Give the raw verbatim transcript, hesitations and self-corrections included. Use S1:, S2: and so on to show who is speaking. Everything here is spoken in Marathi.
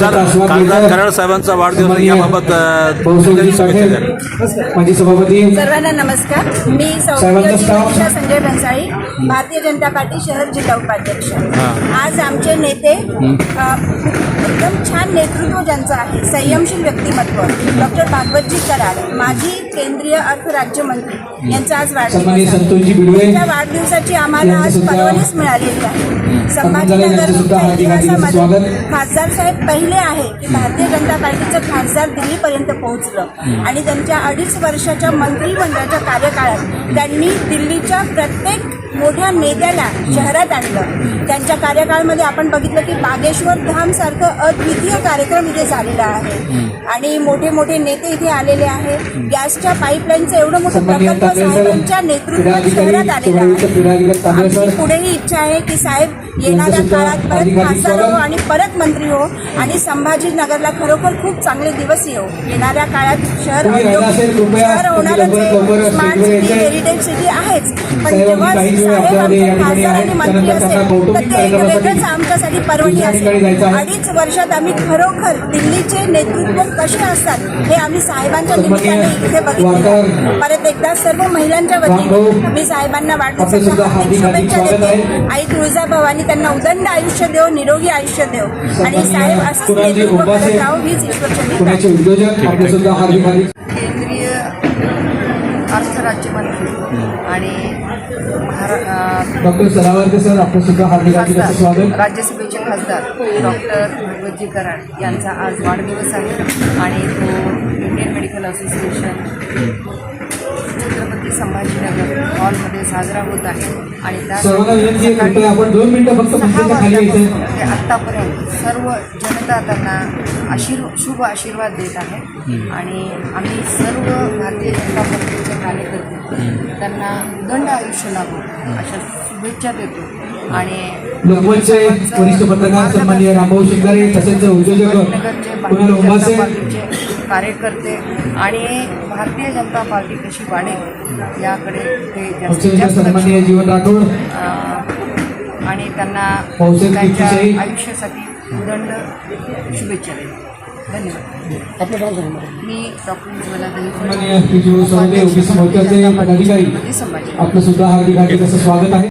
S1: खासदार खासदार कराड साहेबांचा वाढदिवस याबाबत
S2: माजी सभापती
S3: सर्वांना नमस्कार. मी सौ संजय भन्साळी, भारतीय जनता पार्टी शहर जिल्हा उपाध्यक्ष. आज आमचे नेते एकदम छान नेतृत्व ज्यांचं आहे, संयमशील व्यक्तिमत्व डॉक्टर भागवतजी कराड, माजी केंद्रीय अर्थ राज्यमंत्री यांचा आज वाढदिवस आहे. त्या वाढदिवसाची आम्हाला आज परवानगी मिळालेली आहे. संभाजीनगर इतिहासामध्ये खासदार साहेब पहिले आहे की भारतीय जनता पार्टीचं खासदार दिल्लीपर्यंत पोहोचलं आणि त्यांच्या अडीच वर्षाच्या मंत्रिमंडळाच्या कार्यकाळात त्यांनी दिल्लीच्या प्रत्येक मोठ्या नेत्याला शहरात आणलं. त्यांच्या कार्यकाळामध्ये आपण बघितलं की बागेश्वर धाम सारखं अद्वितीय कार्यक्रम इथे झालेला आहे आणि मोठे मोठे नेते इथे आलेले आहेत. गॅसच्या पाईपलाईनचं एवढं मोठं प्रकल्प साहेबांच्या नेतृत्वात शहरात आलेलं आहे. आमची पुढेही इच्छा आहे की साहेब येणाऱ्या काळात परत खासदार हो आणि परत मंत्री हो आणि संभाजीनगरला खरोखर खूप चांगले दिवस येऊ. येणाऱ्या काळात शहर शहर होणारच स्मार्ट सिटी, हेरिटेज सिटी आहेच, पण जेव्हा साहेब आमचे खासदार आणि मंत्री असेल तर ते वेगळंच आमच्यासाठी पर्वणी असेल. अडीच वर्षात आम्ही खरोखर दिल्लीचे नेतृत्व कसे असतात हे आम्ही साहेबांच्या निमित्ताने इथे बघितले. परत एकदा सर्व महिलांच्या वतीने मी साहेबांना वाढदिवसाच्या हार्दिक शुभेच्छा देते. आई तुळजाभवानी त्यांना उदंड आयुष्य देव, निरोगी आयुष्य देव आणि साहेब असंच नेतृत्व करत राहू हीच ईश्वरचरणी.
S4: केंद्रीय अर्थ राज्यमंत्री आणि
S2: डॉक्टर सरावरकर सर आपलं सुद्धा हार्दिक हार्दिक स्वागत.
S4: राज्यसभेचे खासदार डॉक्टर भागवतजी कराड यांचा आज वाढदिवस आहे आणि तो Indian medical association Chhatrapati Sambhajinagar हॉलमध्ये साजरा होत आहे आणि त्या
S2: आपण दोन मिनिटं फक्त
S4: सहा वाजल्यापासून ते आत्तापर्यंत सर्व जनता त्यांना आशीर्व शुभ आशीर्वाद देत आहे आणि आम्ही सर्व भारतीय जनता पार्टीचे कार्यकर्ते त्यांना उदंड आयुष्य लाभो अशा शुभेच्छा देतो. आणि
S2: लोकमतचे वरिष्ठ पत्रकार सन्माननीय रामभाऊ शिंगारे तसेच उद्योजक
S4: भारतीय जनता पार्टीचे कार्यकर्ते आणि भारतीय जनता पार्टी कशी वाढेल याकडे ते जास्तीत जास्त
S2: सन्माननीय जीवन राठोड
S4: आणि त्यांना त्यांच्या आयुष्यासाठी उदंड शुभेच्छा देतो. धन्यवाद. मी डॉक्टर उज्ज्वला दहिफळे,
S2: संभाजी
S4: आपलं
S2: सुद्धा हार्दिक हार्दिक स्वागत आहे.